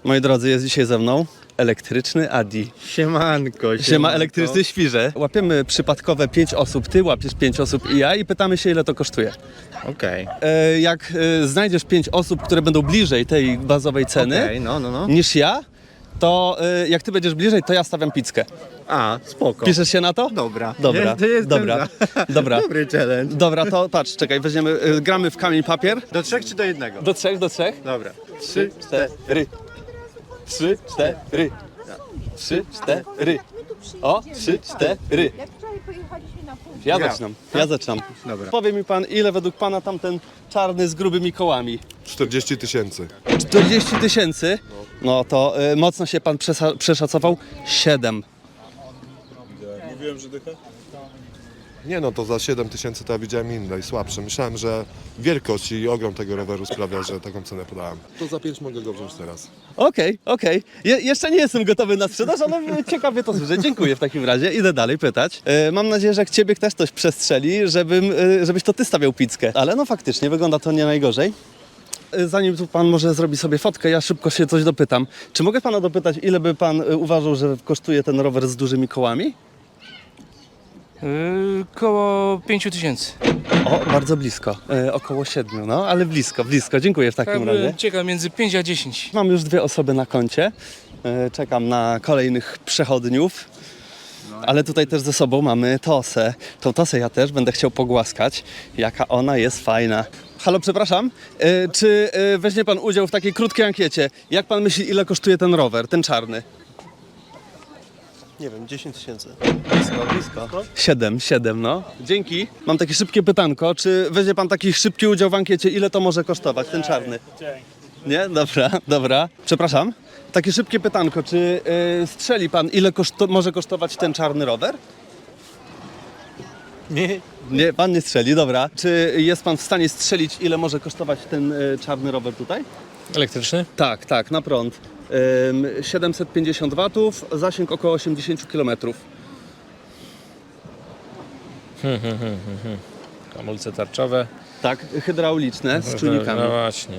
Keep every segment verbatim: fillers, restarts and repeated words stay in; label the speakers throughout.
Speaker 1: Moi drodzy, jest dzisiaj ze mną elektryczny Adi.
Speaker 2: Siemanko,
Speaker 1: Siema, elektryczny świrze. Łapiemy przypadkowe pięć osób, ty łapiesz pięć osób i ja i pytamy się, ile to kosztuje.
Speaker 2: Okej.
Speaker 1: E, jak e, znajdziesz pięć osób, które będą bliżej tej bazowej ceny
Speaker 2: Okej, no, no, no.
Speaker 1: niż ja, to e, jak ty będziesz bliżej, to ja stawiam pizzkę.
Speaker 2: A, spoko.
Speaker 1: Piszesz się na to?
Speaker 2: Dobra.
Speaker 1: Dobra,
Speaker 2: Ja, to jestem
Speaker 1: dobra,
Speaker 2: za.
Speaker 1: dobra.
Speaker 2: Dobry challenge.
Speaker 1: Dobra, to patrz, czekaj, weźmiemy, e, gramy w kamień papier.
Speaker 2: Do trzech czy do jednego?
Speaker 1: Do trzech, do trzech.
Speaker 2: Dobra.
Speaker 1: Trzy, cztery. Trzy, cztery. Trzy, cztery. O, trzy, cztery.
Speaker 3: Jak wczoraj pojechaliśmy na pół.
Speaker 1: Ja
Speaker 2: Ja.
Speaker 1: zaczynam, ja zaczynam.
Speaker 2: Dobra.
Speaker 1: Powie mi pan, ile według pana tamten czarny z grubymi kołami?
Speaker 4: czterdzieści tysięcy.
Speaker 1: czterdzieści tysięcy? No to y, mocno się pan przesa- przeszacował. siedem.
Speaker 4: Nie no, to za siedem tysięcy to ja widziałem inne i słabsze. Myślałem, że wielkość i ogrom tego roweru sprawia, że taką cenę podałem. To za pięć mogę go wziąć teraz.
Speaker 1: Okej, okej. Je- jeszcze nie jestem gotowy na sprzedaż, ale ciekawie to słyszę. Dziękuję w takim razie. Idę dalej pytać. Y, mam nadzieję, że jak ciebie też ktoś przestrzeli, żebym, y, żebyś to ty stawiał pizzkę. Ale no faktycznie, wygląda to nie najgorzej. Y, Zanim tu pan może zrobi sobie fotkę, ja szybko się coś dopytam. Czy mogę pana dopytać, ile by pan y, uważał, że kosztuje ten rower z dużymi kołami?
Speaker 5: Yy, koło pięciu tysięcy.
Speaker 1: O, bardzo blisko. E, około siedmiu, no, ale blisko, blisko. Dziękuję w takim razie.
Speaker 5: Ciekawe między pięć a dziesięć.
Speaker 1: Mam już dwie osoby na koncie. E, czekam na kolejnych przechodniów. Ale tutaj też ze sobą mamy Tosę. Tą Tosę ja też będę chciał pogłaskać. Jaka ona jest fajna. Halo, przepraszam. E, czy e, weźmie pan udział w takiej krótkiej ankiecie? Jak pan myśli, ile kosztuje ten rower, ten czarny?
Speaker 6: Nie wiem, dziesięć tysięcy.
Speaker 1: Blisko, blisko. Siedem, siedem, no. Dzięki. Mam takie szybkie pytanko. Czy weźmie pan taki szybki udział w ankiecie? Ile to może kosztować, ten czarny? Nie? Dobra, dobra. Przepraszam. Takie szybkie pytanko. Czy y, strzeli pan, ile koszto- może kosztować ten czarny rower?
Speaker 2: Nie.
Speaker 1: Nie, pan nie strzeli, dobra. Czy jest pan w stanie strzelić, ile może kosztować ten y, czarny rower tutaj?
Speaker 5: Elektryczny?
Speaker 1: Tak, tak, na prąd. Ym, siedemset pięćdziesiąt watów, zasięg około osiemdziesiąt kilometrów.
Speaker 5: Hamulce tarczowe.
Speaker 1: Tak, hydrauliczne z czujnikami.
Speaker 5: No właśnie.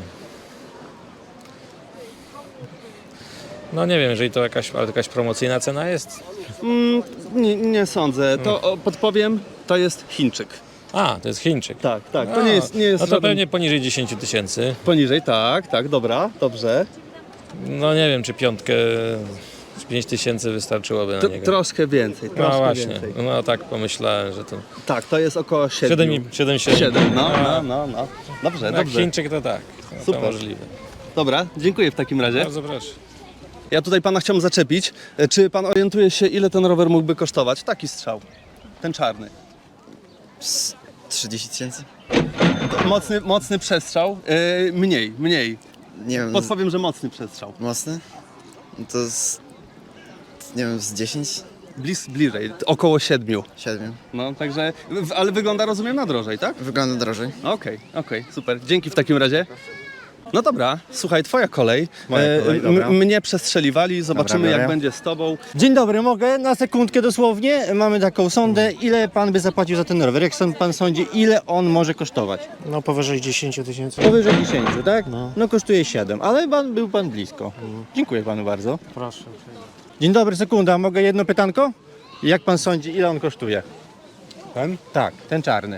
Speaker 5: No nie wiem, jeżeli to jakaś, ale to jakaś promocyjna cena jest.
Speaker 1: Mm, nie, nie sądzę. To o, podpowiem, to jest Chińczyk.
Speaker 5: A, to jest Chińczyk.
Speaker 1: Tak, tak. To
Speaker 5: A,
Speaker 1: nie jest, nie jest
Speaker 5: no to
Speaker 1: żaden...
Speaker 5: pewnie poniżej dziesięć tysięcy.
Speaker 1: Poniżej, tak, tak, dobra, dobrze.
Speaker 5: No nie wiem, czy piątkę z pięć tysięcy wystarczyłoby na
Speaker 1: T-
Speaker 5: niego.
Speaker 1: troszkę więcej,
Speaker 5: No
Speaker 1: troszkę
Speaker 5: właśnie,
Speaker 1: więcej.
Speaker 5: no tak pomyślałem, że to
Speaker 1: Tak, to jest około siedem.
Speaker 5: siedem, siedem, siedem.
Speaker 1: siedem, no, no, no, no. Dobrze,
Speaker 5: Jak
Speaker 1: dobrze.
Speaker 5: Chińczyk to tak, no,
Speaker 1: Super.
Speaker 5: to możliwe.
Speaker 1: Dobra, dziękuję w takim razie.
Speaker 5: Bardzo proszę.
Speaker 1: Ja tutaj pana chciałem zaczepić. E, Czy pan orientuje się, ile ten rower mógłby kosztować? Taki strzał. Ten czarny.
Speaker 6: trzydzieści tysięcy?
Speaker 1: Mocny, mocny przestrzał. E, mniej, mniej.
Speaker 6: Nie wiem, z,
Speaker 1: Podpowiem, że mocny przestrzał.
Speaker 6: mocny? No to z, nie wiem, z dziesięć?
Speaker 1: Blis, bliżej, około siedmiu.
Speaker 6: siedem.
Speaker 1: No, także, w- ale wygląda, rozumiem, na drożej, tak?
Speaker 6: Wygląda drożej.
Speaker 1: Okej, okej, super. Dzięki w takim razie. No dobra, słuchaj, twoja kolej.
Speaker 2: Moja kolej,
Speaker 1: m-
Speaker 2: dobra.
Speaker 1: Mnie przestrzeliwali, zobaczymy
Speaker 2: Dobra,
Speaker 1: jak
Speaker 2: biorę.
Speaker 1: będzie z tobą.
Speaker 2: Dzień dobry, mogę na sekundkę dosłownie? Mamy taką sondę. Ile pan by zapłacił za ten rower? Jak sąd- pan sądzi, ile on może kosztować?
Speaker 7: No powyżej dziesięć tysięcy.
Speaker 2: Powyżej dziesięć, tak?
Speaker 7: No.
Speaker 2: No kosztuje siedem, ale pan, był pan blisko. Dziękuję panu bardzo.
Speaker 7: Proszę.
Speaker 2: Dzień dobry, sekunda, mogę jedno pytanko? Jak pan sądzi, ile on kosztuje?
Speaker 7: Ten?
Speaker 2: Tak, ten czarny.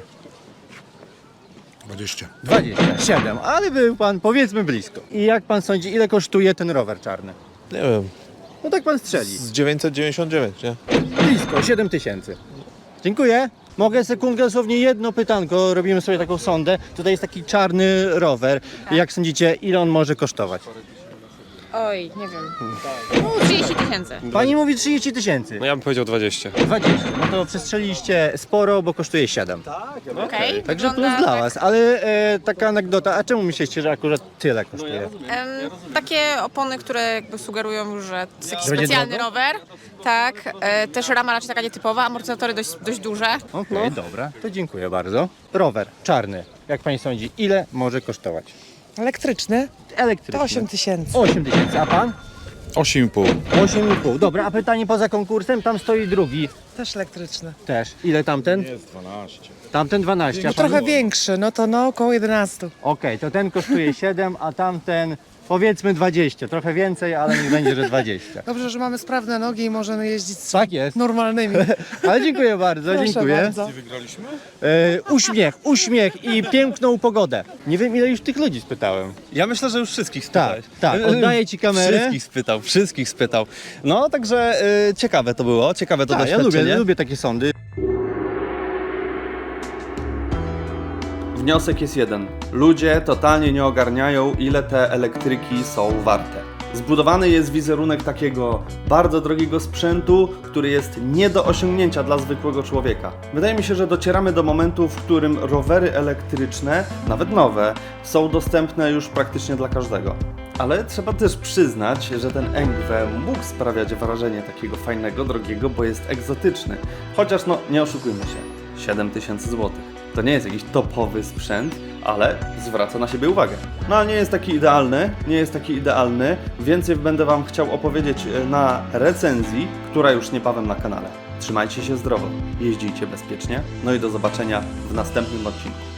Speaker 4: dwadzieścia.
Speaker 2: dwadzieścia siedem, ale był pan powiedzmy blisko. I jak pan sądzi, ile kosztuje ten rower czarny?
Speaker 8: Nie wiem,
Speaker 2: No tak pan strzeli.
Speaker 8: z dziewięćset dziewięćdziesiąt dziewięć, nie?
Speaker 2: Blisko, siedem tysięcy. Dziękuję. Mogę sekundkę, dosłownie jedno pytanko, robimy sobie taką sondę. Tutaj jest taki czarny rower. Jak sądzicie, ile on może kosztować?
Speaker 3: Oj, nie wiem. No, trzydzieści tysięcy.
Speaker 2: Pani mówi trzydzieści tysięcy.
Speaker 8: No ja bym powiedział dwadzieścia.
Speaker 2: dwadzieścia. No to przestrzeliście sporo, bo kosztuje siedem.
Speaker 3: Okej.
Speaker 2: Także plus
Speaker 3: Wygląda
Speaker 2: dla
Speaker 3: tak-
Speaker 2: was. Ale e, taka anegdota, a czemu myślicie, że akurat tyle kosztuje?
Speaker 3: Em, takie opony, które jakby sugerują już, że to jest jakiś
Speaker 2: Że będzie
Speaker 3: specjalny
Speaker 2: drogo?
Speaker 3: rower. Tak. E, też rama raczej taka nietypowa, amortyzatory dość, dość duże.
Speaker 2: Okej, dobra. To dziękuję bardzo. Rower czarny. Jak pani sądzi, ile może kosztować?
Speaker 9: Elektryczny?
Speaker 2: Elektryczny.
Speaker 9: To osiem tysięcy.
Speaker 2: osiem tysięcy, a pan?
Speaker 8: osiem i pół.
Speaker 2: osiem i pół. Dobra, a pytanie poza konkursem, tam stoi drugi
Speaker 9: Też elektryczny.
Speaker 2: też. Ile tamten?
Speaker 8: Jest dwanaście.
Speaker 2: Tamten dwanaście, a
Speaker 9: No
Speaker 2: pan?
Speaker 9: trochę większy, no to no około jedenaście.
Speaker 2: Okej, to ten kosztuje siedem, a tamten Powiedzmy dwadzieścia, trochę więcej, ale niech będzie, że dwadzieścia.
Speaker 9: Dobrze, że mamy sprawne nogi i możemy jeździć z
Speaker 2: Tak jest.
Speaker 9: normalnymi.
Speaker 2: Ale dziękuję bardzo,
Speaker 9: Proszę
Speaker 2: dziękuję.
Speaker 9: bardzo.
Speaker 2: E, uśmiech, uśmiech i piękną pogodę. Nie wiem, ile już tych ludzi spytałem.
Speaker 1: Ja myślę, że już wszystkich
Speaker 2: Tak,
Speaker 1: spytałeś.
Speaker 2: tak, oddaję ci kamerę.
Speaker 1: Wszystkich spytał, wszystkich spytał. No, także y, ciekawe to było, ciekawe to
Speaker 2: Tak, ja
Speaker 1: doświadczenie.
Speaker 2: lubię, lubię takie sądy.
Speaker 1: Wniosek jest jeden. Ludzie totalnie nie ogarniają, ile te elektryki są warte. Zbudowany jest wizerunek takiego bardzo drogiego sprzętu, który jest nie do osiągnięcia dla zwykłego człowieka. Wydaje mi się, że docieramy do momentu, w którym rowery elektryczne, nawet nowe, są dostępne już praktycznie dla każdego. Ale trzeba też przyznać, że ten Engve mógł sprawiać wrażenie takiego fajnego, drogiego, bo jest egzotyczny. Chociaż no, nie oszukujmy się, siedem tysięcy złotych. To nie jest jakiś topowy sprzęt, ale zwraca na siebie uwagę. No ale nie jest taki idealny, nie jest taki idealny. Więcej będę Wam chciał opowiedzieć na recenzji, która już niebawem na kanale. Trzymajcie się zdrowo, jeździcie bezpiecznie, no i do zobaczenia w następnym odcinku.